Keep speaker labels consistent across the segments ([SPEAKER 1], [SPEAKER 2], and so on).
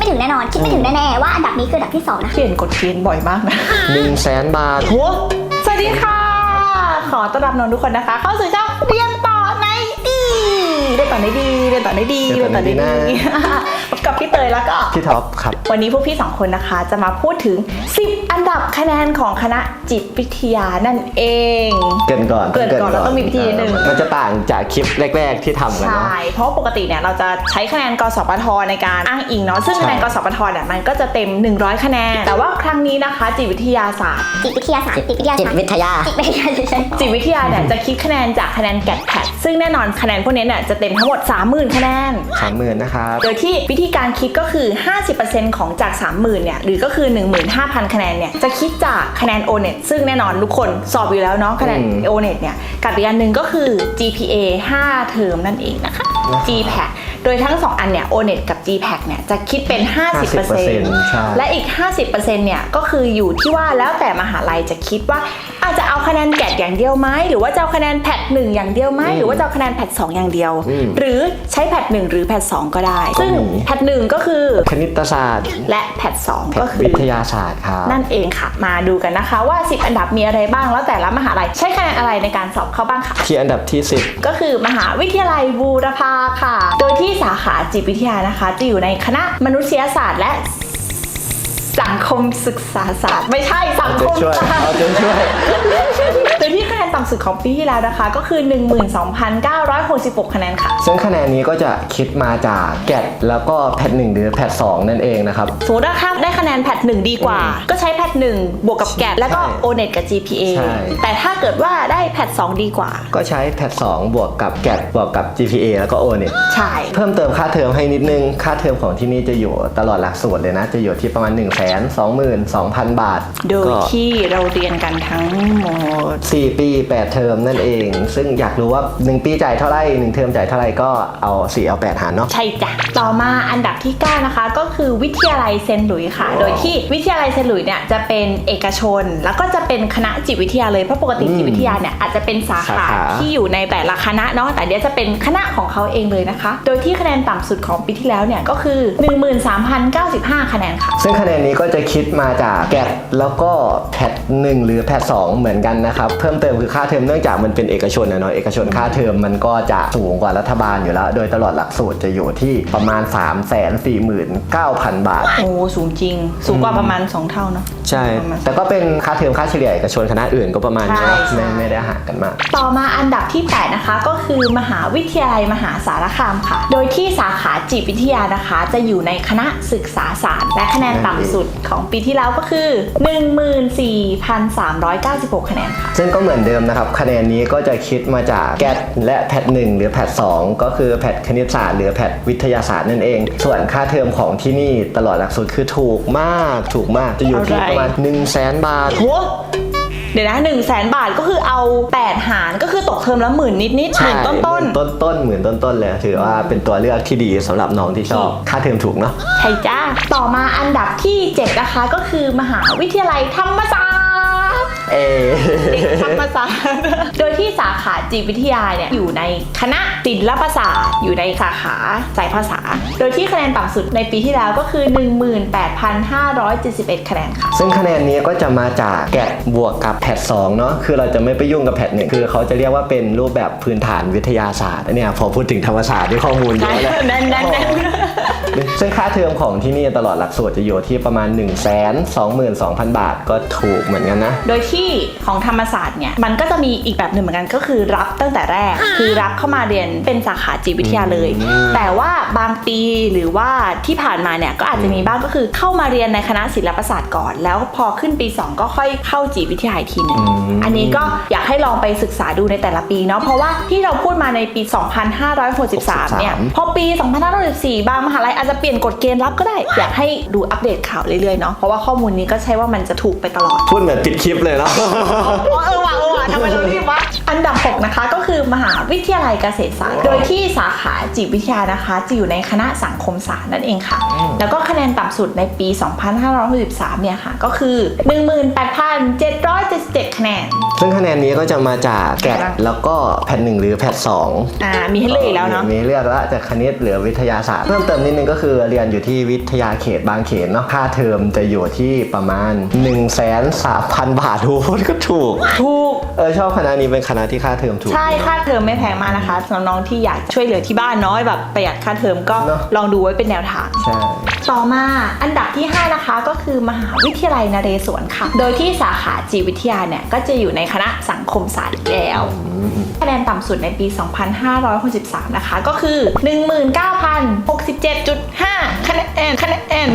[SPEAKER 1] ถึงแน่นอนคิดไม่ถึงแน่ๆว่าอันดับนี้คืออันดับที่2นะ
[SPEAKER 2] เปลี่ยนกฎเกณฑ์บ่อยมากนะ
[SPEAKER 3] 100,000 บาท
[SPEAKER 2] สวัสดีค่ะขอต้อนรับน้องทุกคนนะคะเข้าสู่ช่องเรียนต่อในดีเรียนต่อในดีเรียนต่อในดีเรียนต่อในดีพบกับพี่เตยแล้วก็
[SPEAKER 3] พี่ท็อปครับ
[SPEAKER 2] วันนี้พวกพี่2คนนะคะจะมาพูดถึง10อันดับคะแนนของคณะจิตวิทยานั่นเอง
[SPEAKER 3] เกินก่อน
[SPEAKER 2] แล้วต้องมีพิธีนิดนึง
[SPEAKER 3] มันจะต่างจากคลิปแรกๆที่ทำกันเนาะ
[SPEAKER 2] ใช่เพราะปกติเนี่ยเราจะใช้คะแนนกสพทในการอ้างอิงเนาะซึ่งคะแนนกสพทเนี่ยมันก็จะเต็ม100คะแนนแต่ว่าครั้งนี้นะคะจิตวิทยาศาสตร์
[SPEAKER 1] จิตวิทยา
[SPEAKER 2] เนี่ยจะคิดคะแนนจากคะแนนแกดแพดซึ่งแน่นอนคะแนนพวกนี้เนี่ยจะเต็มทั้งหมด 30,000 คะแนน
[SPEAKER 3] 30,000 นะครับ
[SPEAKER 2] โดยที่วิธีการคิดก็คือ 50% ของจาก 30,000 เนี่ยหรือก็คือ 15,000 คะแนนเนี่ยจะคิดจากคะแนน O-NET ซึ่งแน่นอนทุกคนสอบอยู่แล้วเนาะคะแนน O-NET เนี่ยกับอีกอันหนึ่งก็คือ GPA 5 เทอมนั่นเองนะคะ GPAC โดยทั้ง2อันเนี่ย O-NET กับ GPAC เนี่ยจะคิดเป็น 50% และอีก 50% เนี่ยก็คืออยู่ที่ว่าแล้วแต่มหาลัยจะคิดว่าอาจจะเอาคะแนนแกดอย่างเดียวไหมหรือว่าจะเอาคะแนนแพท1อย่างเดียวไหมหรือว่าจะเอาคะแนนแพท2อย่างเดียวหรือใช้แพท1หรือแพท2ก็ได้ซึ่งแพท1ก็คือ
[SPEAKER 3] คณิตศาสตร์
[SPEAKER 2] และแพท2ก็คือ
[SPEAKER 3] วิทยาศาสตร์ครับ
[SPEAKER 2] นั่นเองค่ะมาดูกันนะคะว่า10อันดับมีอะไรบ้างแล้วแต่ละมหาลัยใช้คะแนนอะไรในการสอบเข้าบ้างค่ะ
[SPEAKER 3] ที่อันดับที่
[SPEAKER 2] 10ก็คือมหาวิทยาลัยบูรพาค่ะโดยที่สาขาจิตวิทยานะคะจะอยู่ในคณะมนุษยศาสตร์และสังคมศึกษาศาสตร์ไม่ใช่สังคมศาสตร์โดยที่คะแนนต่ำสุดของปีที่แล้วนะคะก็คือ 12,966 คะแนนค่ะ
[SPEAKER 3] ซึ่งคะแนนนี้ก็จะคิดมาจากแกดแล้วก็แพท1หรือแพท2นั่นเองนะครับ
[SPEAKER 2] สมมติว่าถ้าได้คะแนนแพท1ดีกว่าก็ใช้แพท1บวกกับแกดแล้วก็ O-NET กับ GPA แต่ถ้าเกิดว่าได้แพท2ดีกว่า
[SPEAKER 3] ก็ใช้แพท2บวกกับแกดบวกกับ GPA แล้วก็ O-NET
[SPEAKER 2] ใช่
[SPEAKER 3] เพิ่มเติมค่าเทอมให้นิดนึงค่าเทอมของที่นี่จะอยู่ตลอดหลักสูตรเลยนะจะอยู่ที่ประมาณ122,000 บาท
[SPEAKER 2] โดยที่เราเรียนกันทั้งหมด
[SPEAKER 3] 4 ปี 8 เทอมนั่นเองซึ่งอยากรู้ว่า1ปีจ่ายเท่าไหร่1เทอมจ่ายเท่าไหร่ก็เอา4เอา8หารเนาะ
[SPEAKER 2] ใช่จ้ะต่อมาอันดับที่9นะคะก็คือวิทยาลัยเซนต์หลุยส์ค่ะโดยที่วิทยาลัยเซนต์หลุยส์เนี่ยจะเป็นเอกชนแล้วก็จะเป็นคณะจิตวิทยาเลยเพราะปกติจิตวิทยาเนี่ยอาจจะเป็นสาขาที่อยู่ในแต่ละคณะเนาะแต่เดี๋ยวจะเป็นคณะของเขาเองเลยนะคะโดยที่คะแนนต่ำสุดของปีที่แล้วเนี่ยก็คือ 13,095 คะแนนค่ะ
[SPEAKER 3] ซึ่งคะแนนนี้ก็จะคิดมาจากแกดแล้วก็แพท1หรือแพท2เหมือนกันนะครับเพิ่มเติมคือค่าเทอมเนื่องจากมันเป็นเอกชนนะเนาะเอกชนค่าเทอมมันก็จะสูงกว่ารัฐบาลอยู่แล้วโดยตลอดหลักสูตรจะอยู่ที่ประมาณ 349,000 บาท
[SPEAKER 2] โอ้สูงจริงสูงกว่าประมาณ2เท่าเนาะ
[SPEAKER 3] ใช่แต่ก็เป็นค่าเทอมค่าเฉลี่ยเอกชนคณะอื่นก็ประมาณนี้ไม่ได้ห่างกันมาก
[SPEAKER 2] ต่อมาอันดับที่8นะคะก็คือมหาวิทยาลัยมหาสารคามค่ะโดยที่สาขาจิตวิทยานะคะจะอยู่ในคณะศึกษาศาสตร์และคะแนนต่ำสุดของปีที่แล้วก็คือ 14,396 คะแนนค่ะ
[SPEAKER 3] ซึ่งก็เหมือนเดิมนะครับคะแนนนี้ก็จะคิดมาจากแกดและแพท1หรือแพท2ก็คือแพทคณิตศาสตร์หรือแพทวิทยาศาสตร์นั่นเองส่วนค่าเทอมของที่นี่ตลอดหลักสูตรคือถูกมากจะอยู่ที่ประมาณ 100,000 บาท
[SPEAKER 2] เดี๋ยวนะ 100,000 บาทก็คือเอา8หารก็คือตกเทอมละ10,000นิดๆหมื่นต้น
[SPEAKER 3] หมื่นต้นเลยถือว่าเป็นตัวเลือกที่ดีสำหรับน้องที่ชอบค่าเทอมถูกเนาะ
[SPEAKER 2] ใช่จ้าต่อมาอันดับที่7นะคะก็คือมหาวิทยาลัยธรรมศาสตร์เด็กธรรมศาสตร์โดยที่สาขาจิตวิทยาเนี่ยอยู่ในคณะศิลปศาสตร์อยู่ในสาขาสายภาษาโดยที่คะแนนต่ำสุดในปีที่แล้วก็คือ 18,571 คะแนนค่ะ
[SPEAKER 3] ซึ่งคะแนนนี้ก็จะมาจากแกดบวกกับแพท2เนาะคือเราจะไม่ไปยุ่งกับแพท1คือเขาจะเรียกว่าเป็นรูปแบบพื้นฐานวิทยาศาสตร์เนี่ยพอพูดถึงธรรมศาสตร์ที่ข้อมูลเยอะแล้วซึ่งค่าเทอมของที่นี่ตลอดหลักสูตรจะอยู่ที่ประมาณ 122,000 บาทก็ถูกเหมือนกันนะ
[SPEAKER 2] โดยที่ของธรรมศาสตร์เนี่ยมันก็จะมีอีกแบบหนึ่งเหมือนกันก็คือรับตั้งแต่แรกคือรับเข้ามาเรียนเป็นสาขาจิตวิทยาเลยแต่ว่าบางปีหรือว่าที่ผ่านมาเนี่ยก็อาจจะมีบ้างก็คือเข้ามาเรียนในคณะศิลปศาสตร์ก่อนแล้วพอขึ้นปี2ก็ค่อยเข้าจิตวิทยาอีกทีนึงอันนี้ก็อยากให้ลองไปศึกษาดูในแต่ละปีเนาะเพราะว่าที่เราพูดมาในปี 2563 เนี่ยพอปี 2564 บางมหาลัยอาจจะเปลี่ยนกฎเกณฑ์รับก็ได้อยากให้ดูอัปเดตข่าวเรื่อยๆเนาะเพราะว่าข้อมูลนี้ก็ใช่ว่ามันจะถูกไปตลอด
[SPEAKER 3] พูดเหมือนปิดคลิปเลยเนาะ
[SPEAKER 2] ว่ะทำไมเรารีบวะอันดับ 6 นะคะก็คือมหาวิทยาลัยเกษตรศาสตร์โดยที่สาขาจิตวิทยานะคะจะอยู่ในคณะสังคมศาสตร์นั่นเองค่ะแล้วก็คะแนนต่ำสุดในปี 2563 เนี่ยค่ะก็คือ 18,777 คะแนน
[SPEAKER 3] ซึ่งคะแนนนี้ก็จะมาจากแกดแล้วก็แพท1หรือแพท2
[SPEAKER 2] มีให้เลือกอีกแล้วเนาะ
[SPEAKER 3] มีเลือกแล้วจากคณิตหรือวิทยาศาสตร์เพิ่มเติมนิดนึงก็คือเรียนอยู่ที่วิทยาเขตบางเขนเนาะค่าเทอมจะอยู่ที่ประมาณ 130,000 บาททุกคนก็ถูกชอบคณะนี้เป็นคณะที่ค่าเทอมถูก
[SPEAKER 2] ใช่ค่าเทอมไม่แพงมากนะคะสำหรับน้องที่อยากช่วยเหลือที่บ้านน้อยแบบประหยัดค่าเทอมก็ลองดูไว้เป็นแนวทาง
[SPEAKER 3] ใช่
[SPEAKER 2] ต่อมาอันดับที่ 5 นะคะก็คือมหาวิทยาลัยนเรศวรค่ะโดยที่สาขาจิตวิทยาเนี่ยก็จะอยู่ในคณะสังคมศาสตร์อีกแล้วคะแนนต่ำสุดในปี 2563 นะคะก็คือ 19,067.5 คะแนน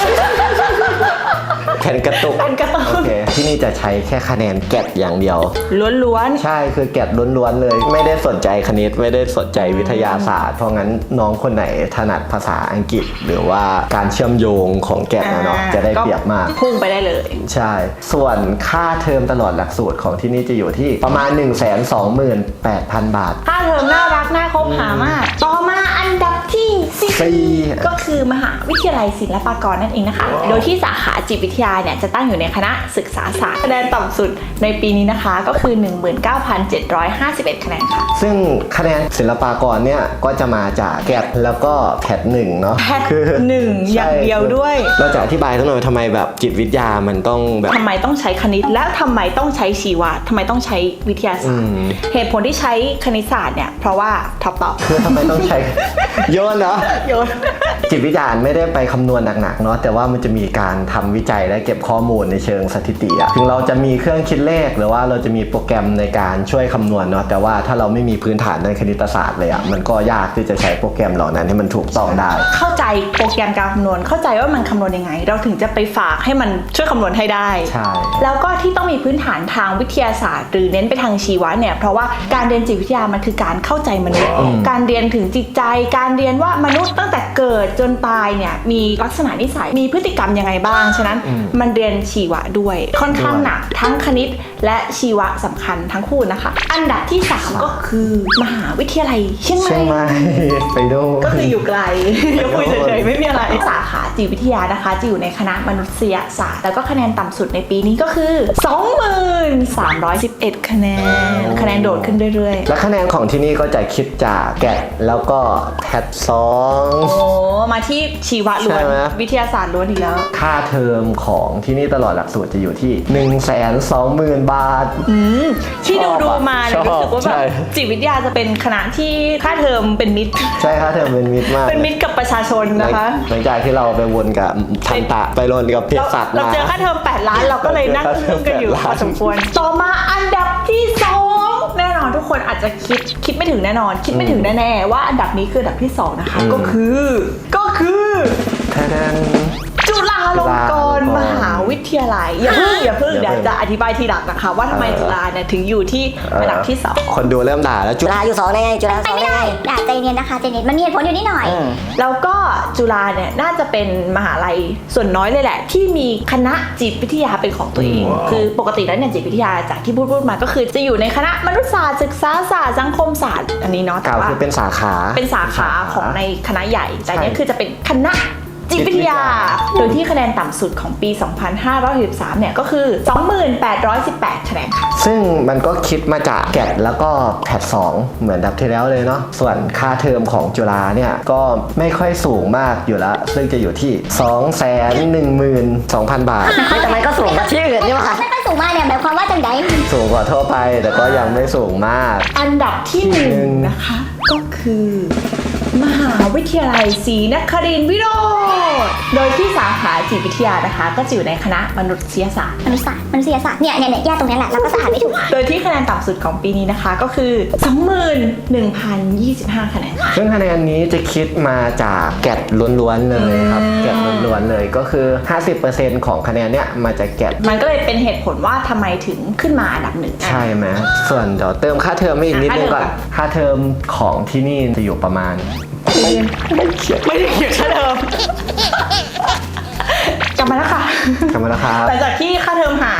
[SPEAKER 3] แคนกระตุกโอเคที่นี่จะใช้แค่คะแนนแกดอย่างเดียว
[SPEAKER 2] ล้วน
[SPEAKER 3] ใช่คือแกดล้วนๆเลยไม่ได้สนใจคณิตไม่ได้สนใจวิทยาศาสตร์เพราะงั้นน้องคนไหนถนัดภาษาอังกฤษหรือว่าการเชื่อมโยงของแกดเนาะจะได้เปรียบมาก
[SPEAKER 2] พุ่งไปได้เลย
[SPEAKER 3] ใช่ส่วนค่าเทอมตลอดหลักสูตรของที่นี่จะอยู่ที่ประมาณ 128,000 บาท
[SPEAKER 2] ค่าเทอมน่ารักน่าคบหามากต่อมาอันดับที่4ก็คือมหาวิทยาลัยศิลปากรนั่นเองนะคะโดยที่สาขาจิตวิทยาเนี่ยจะตั้งอยู่ในคณะศึกษาศาสตร์คะแนนต่ำสุดในปีนี้นะคะก็คือ 19,751 คะแนนค่ะ
[SPEAKER 3] ซึ่งคะแนนศิลปากรเนี่ยก็จะมาจากแกดแล้วก็แพท1เนาะ
[SPEAKER 2] แพท1อย่างเดียวด้วย
[SPEAKER 3] เราจะอธิบายสักหน่อยทำไมแบบจิตวิทยามันต้องแบบ
[SPEAKER 2] ทำไมต้องใช้คณิตและทำไมต้องใช้ชีวะทำไมต้องใช้วิทยาศาสตร์เหตุผลที่ใช้คณิตศาสตร์เนี่ยเพราะว่าท็อปตอบ
[SPEAKER 3] คือทำไมต้องใช้โยนเนาะ
[SPEAKER 2] โยน
[SPEAKER 3] จิตวิทยาไม่ได้ไปคำนวณหนักๆเนาะแต่ว่ามันจะมีการทำวิจัยและเก็บข้อมูลในเชิงสถิติอะถึงเราจะมีเครื่องคิดเลขหรือว่าเราจะมีโปรแกรมในการช่วยคำนวณเนาะแต่ว่าถ้าเราไม่มีพื้นฐานในคณิตศาสตร์เลยอะมันก็ยากที่จะใช้โปรแกรมเหล่านั้นให้มันถูกต้องได้
[SPEAKER 2] เข้าใจโปรแกรมการคำนวณเข้าใจว่ามันคำนวณยังไงเราถึงจะไปฝากให้มันช่วยคำนวณให้ได้
[SPEAKER 3] ใช่
[SPEAKER 2] แล้วก็ที่ต้องมีพื้นฐานทางวิทยาศาสตร์หรือเน้นไปทางชีวะเนี่ยเพราะว่าการเรียนจิตวิทยามันคือการเข้าใจมนุษย์การเรียนถึงจิตใจการเรียนว่ามนุษย์ตั้งแต่เกิดจนตายเนี่ยมีลักษณะนิสัยมีพฤติกรรมยังไงบ้างฉะนั้นมันเรียนชีวะด้วยค่อนข้างหนักทั้งคณิตและชีวะสำคัญทั้งคู่นะคะอันดับที่3ก็คือมหาวิทยาลัยเชียงใหม่
[SPEAKER 3] ไปดู
[SPEAKER 2] ก็คืออยู่ไกลอย่าพูดเฉยๆไม่มีอะไรสาขาจิตวิทยานะคะจะอยู่ในคณะมนุษยศาสตร์แล้วก็คะแนนต่ำสุดในปีนี้ก็คือ 2311 คะแนนโดดขึ้นเรื่อย
[SPEAKER 3] ๆและคะแนนของที่นี่ก็จะคิดจากแกดแล้วก็แพท2
[SPEAKER 2] มาที่ชีวะล้วนวิทยาศาสตร์ล้วนอีกแล้ว
[SPEAKER 3] ค่าเทอมของที่นี่ตลอดหลักสูตรจะอยู่ที่ 120,000 บาท
[SPEAKER 2] ที่ดูมาเนี่ยรู้สึกว่าแบบจิตวิทยาจะเป็นคณะที่ค่าเทอมเป็นมิตร
[SPEAKER 3] ใช่ค่าเทอมเป็นมิตรมาก
[SPEAKER 2] เป็นมิตรกับประชาชนนะคะ
[SPEAKER 3] หลังจากที่เราไปวนกับทันตะไปวนกับเภสัชมา
[SPEAKER 2] เราเจอค่าเทอม8 ล้านเราก็เลยนั่งอึ้งกันอยู่พอสมควรต่อมาอันดับที่2แน่นอนทุกคนอาจจะคิดไม่ถึงแน่นอนคิดไม่ถึงแน่ๆว่าอันดับนี้คืออันดับที่2นะคะก็คือจุฬาลงกรณ์มหาวิทยาลัยอย่าเพิ่งเดี๋ยวจะอธิบายทีหลังนะคะว่าทำไมจุฬาเนี่ยถึงอยู่ที่อันดับที่2
[SPEAKER 3] คนดูเริ่มด่าแล้ว
[SPEAKER 1] จุฬาอยู่2ได้ไงจุฬา2ได้ด่าใจเย็นนะคะใจเย็นมันมีเหตุผลอยู่นิดหน่อย
[SPEAKER 2] แล้วก็จุฬาเนี่ยน่าจะเป็นมหาลัยส่วนน้อยเลยแหละที่มีคณะจิตวิทยาเป็นของตัวเองคือปกติแล้วเนี่ยจิตวิทยาจากที่พูดมาก็คือจะอยู่ในคณะมนุษยศาสตร์ศึกษาศาสตร์สังคมศาสตร์อันนี้เนาะ
[SPEAKER 3] แต่ว่าเป็นสาขา
[SPEAKER 2] ของในคณะใหญ่แต่เนี่ยคือจะเป็นคณะจิตวิทยาโดยที่คะแนนต่ำสุดของปี 2563 เนี่ยก็คือ 2818 คะแนนค่ะ
[SPEAKER 3] ซึ่งมันก็คิดมาจากแกดแล้วก็แพท2เหมือนดับที่แล้วเลยเนาะส่วนค่าเทอมของจุฬาเนี่ยก็ไม่ค่อยสูงมากอยู่แล้วซึ่งจะอยู่ที่ 212,000 บาท
[SPEAKER 1] แต่มันก็สูงกว่าที่อื่นนี่หว่าไม่ค่อยสูงมากเนี่ยหมายความว่าจังได
[SPEAKER 3] สูงกว่าทั่วไปแต่ก็ยังไม่สูงมาก
[SPEAKER 2] อันดับที่1นะคะก็คือมหาวิทยาลัยศรีนครินทร์วิโรจน์โดยที่สาขาจิตวิทยานะคะก็จะอยู่ในคณะมนุษยศาสตร์
[SPEAKER 1] เนี่ยแยกตรงนี้แหละเราก็สะอาดไม่ถูก
[SPEAKER 2] โดยที่คะแนนต่ำสุดของปีนี้นะคะก็คือ 21,025 คะแนน
[SPEAKER 3] ซึ่งคะแนนนี้จะคิดมาจากแกดล้วนๆเลยครับแกดล้วนๆเลยก็คือ 50% ของคะแนนเนี่ยมาจากแกด
[SPEAKER 2] มันก็เลยเป็นเหตุผลว่าทำไไมถึงขึ้นมาอันดับ1
[SPEAKER 3] ใช่ไหมส่วนเดี๋ยวเติมค่าเทอมให้อีกนิดนึงก่อนค่าเทอมของที่นี่จะอยู่ประมาณ
[SPEAKER 2] ไม่ได้เขียนค่าเทอมกลับมาแล้วค่ะ
[SPEAKER 3] หลังจาก
[SPEAKER 2] ที่ค่าเทอมหาย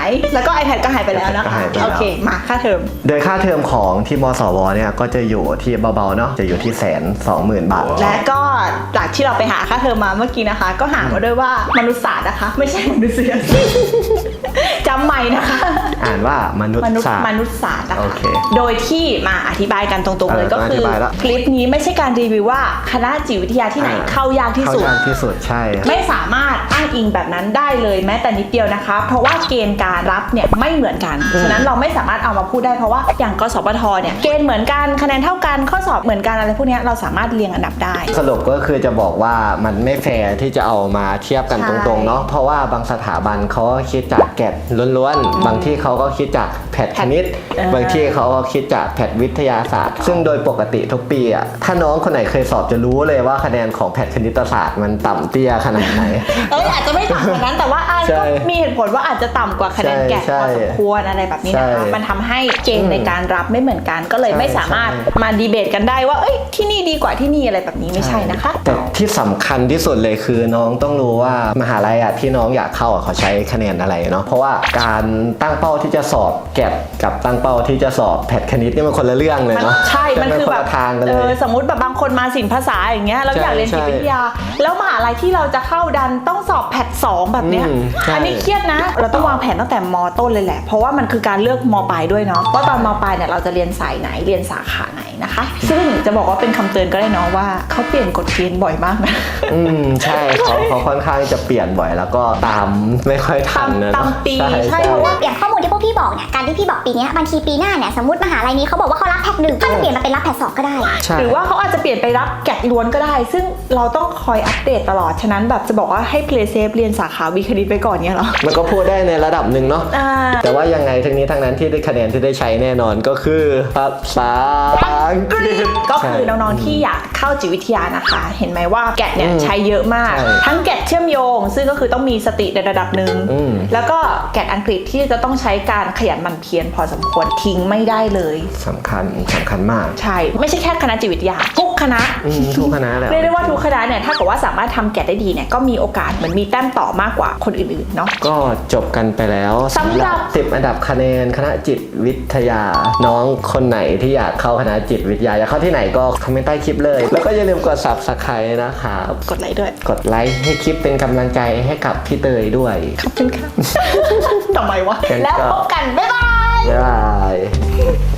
[SPEAKER 2] ายแล้วก็ iPad ก็หายไปแล้วนะคะ
[SPEAKER 3] หายไปแล้ว
[SPEAKER 2] โอเคมาค่าเทอม
[SPEAKER 3] โดยค่าเทอมของที่มสวเนี่ยก็จะอยู่ที่เบาๆเนาะจะอยู่ที่120,000 บาท
[SPEAKER 2] และก็จากที่เราไปหาค่าเทอมมาเมื่อกี้นะคะ ก็หามาด้วยว่ามนุษยศาสตร์นะคะ ไม่ใช่มนุษยศาสตร์จำใหม่นะคะ
[SPEAKER 3] อ่านว่ามนุษยศาสตร์
[SPEAKER 2] มนุษยศาสตร์นะคะ
[SPEAKER 3] โอเค
[SPEAKER 2] โดยที่มาอธิบายกันตรงๆเลย
[SPEAKER 3] เออ
[SPEAKER 2] ก็คือ
[SPEAKER 3] อธิบายละ
[SPEAKER 2] คลิปนี้ไม่ใช่การรีวิวว่าคณะจิตวิทยาที่ไหนเข้ายากที่สุด
[SPEAKER 3] เข้ายากที่สุดใช่
[SPEAKER 2] ไม่สามารถอ้างอิงแบบนั้นได้เลยแม้แต่นิดเดียวนะคะ เพราะว่าเกณฑ์การรับเนี่ยไม่เหมือนกัน ฉะนั้นเราไม่สามารถเอามาพูดได้เพราะว่าอย่างกสพทเนี่ยเกณฑ์เหมือนกันคะแนนเท่ากันข้อสอบเหมือนกันอะไรพวกเนี้ยเราสามารถเรียงอันดับได้
[SPEAKER 3] สรุปก็คือจะบอกว่ามันไม่แฟร์ที่จะเอามาเทียบกัน
[SPEAKER 2] ใช่
[SPEAKER 3] ตรงๆเนาะเพราะว่าบางสถาบันเขาก็คิดจากแกดล้วนๆบางที่เขาก็คิดจากแพทคณิต บางที่เขาก็คิดจากแพทวิทยาศาสตร์ ซึ่งโดยปกติทุกปีอ่ะถ้าน้องคนไหนเคยสอบจะรู้เลยว่าคะแนนของแพทคณิตศาสตร์มันต่ำเตี้ยขนาดไหน
[SPEAKER 2] อาจจะไม่ต่ำกว่านั้นแต่ว่า
[SPEAKER 3] ใช่
[SPEAKER 2] ก็มีเหตุผลว่าอาจจะต่ำกว่าคะแนนแกะ
[SPEAKER 3] ใช่
[SPEAKER 2] พอสมควรอะไรแบบนี้นะคะ
[SPEAKER 3] ใช่
[SPEAKER 2] มันทำให้เกณฑ์ในการรับไม่เหมือนกัน ก็เลยไม่สามารถ
[SPEAKER 3] ใช่
[SPEAKER 2] มาดีเบตกันได้ว่าเอ้ยที่นี่ดีกว่าที่นี่อะไรแบบนี้ไม่ใช่นะคะ
[SPEAKER 3] แต่ที่สำคัญที่สุดเลยคือน้องต้องรู้ว่ามหาลัยอ่ะที่น้องอยากเข้าอ่ะเขาใช้คะแนนอะไรเนาะเพราะว่าการตั้งเป้าที่จะสอบแกดกับตั้งเป้าที่จะสอบแพทคณิตนี่มันคนละเรื่องเลยเนาะ
[SPEAKER 2] ใช่ มันคือแบบ
[SPEAKER 3] นละทางกันเลย
[SPEAKER 2] สมมติแบบบางคนมาศิลป์ภาษาอย่างเงี้ยเรา
[SPEAKER 3] ใช่
[SPEAKER 2] อยากเรียนจิตวิทยา แล้วมหาลัยที่เราจะเข้าดันต้องสอบแพท2แบบเนี้ย
[SPEAKER 3] ใช่
[SPEAKER 2] อันนี้เครียดนะ เราต้องวางแผนตั้งแต่มต้นเลยแหละ เพราะว่ามันคือการเลือกมปลายด้วยเนาะว่าตอนมปลายเนี่ยเราจะเรียนสายไหนเรียนสาขาไหนนะคะ ซึ่งจะบอกว่าเป็นคำเตือนก็ได้เนาะว่าเขาเปลี่ยนกฎเกณฑ์บ่อยมากนะ
[SPEAKER 3] ใช่เขาค่อนข้างจะเปลี่ยนบ่อยแล้วก็ตามไม่ค่อยทันนะ
[SPEAKER 2] ตาม
[SPEAKER 3] เนาะ
[SPEAKER 2] ปีใช่เพราะว่า
[SPEAKER 1] อย่างข้อมูลที่พวกพี่บอกเนี่ย การที่พี่บอกปีเนี้ยบางทีปีหน้าเนี่ย สมมติมหาลัยนี้เขาบอกว่าเขารับแพท1ก็จะเปลี่ยนมาเป็นรับแพท2ก็ได้
[SPEAKER 3] ใช่
[SPEAKER 2] หรือว่าเขาอาจจะเปลี่ยนไปรับแกะล้วนก็ได้ ซึ่งเราต้องคอยอัปเดตตลอด ฉะนั้นแบบจะบอกว่าให้ play safe เรียนสาขาวิคณิตไปก่อนเนี่ยเหรอ
[SPEAKER 3] มันก็พูดได้ในระดับหนึ่งเนาะ
[SPEAKER 2] อ่า
[SPEAKER 3] แต่ว่ายังไงทั้งนี้ทั้งนั้นที่ได้คะแนนที่ได้ใช้แน่นอนก็คือภาษาอังกฤษ
[SPEAKER 2] ก็คือน้องๆที่อยากเข้าจิตวิทยานะคะ เห็นไหมว่าแกะเนี่ยใช้เยอะมาก
[SPEAKER 3] ใช่
[SPEAKER 2] ทั้งแกะเชื่อมโยง ซึ่งก็คือต้องมีสติในระดับหนึ่ง แล้วก็แกะอังกฤษที่จะต้องใช้การขยันหมั่นเพียรพอสมควรทิ้งไม่ได้เลย
[SPEAKER 3] สำคัญมาก
[SPEAKER 2] ใช่ ไม่ใช่แค่คณะจิตวิทยาทุกคณะ
[SPEAKER 3] ทุกคณะแหละ
[SPEAKER 2] เรียกได้ว่าทุกคณะเนี่ยถ้าเกิดว่าสามารถทำแกะได้ดีเนี่ยก็มีโอกาสเหมือนมีแต้มต่อมากกว่าคนอื่นๆเนาะ
[SPEAKER 3] ก็จบกันไปแล้ว
[SPEAKER 2] สำหรับ
[SPEAKER 3] 10 อันดับคะแนนคณะจิตวิทยา น้องคนไหนที่อยากเข้าคณะจิตวิทยาอยากเข้าที่ไหนก็คอมเมนต์ใต้คลิปเลย แล้วก็อย่าลืมกด Subscribe นะครับ
[SPEAKER 2] กดไลค์ด้วย
[SPEAKER 3] กดไลค์ให้คลิปเป็นกำลังใจให้กับพี่เตยด้วย
[SPEAKER 2] ขอบคุณค่ะ ทำไมวะ
[SPEAKER 3] งั้นก็
[SPEAKER 2] แล้วพบกัน บ๊ายบาย
[SPEAKER 3] บ๊ายบาย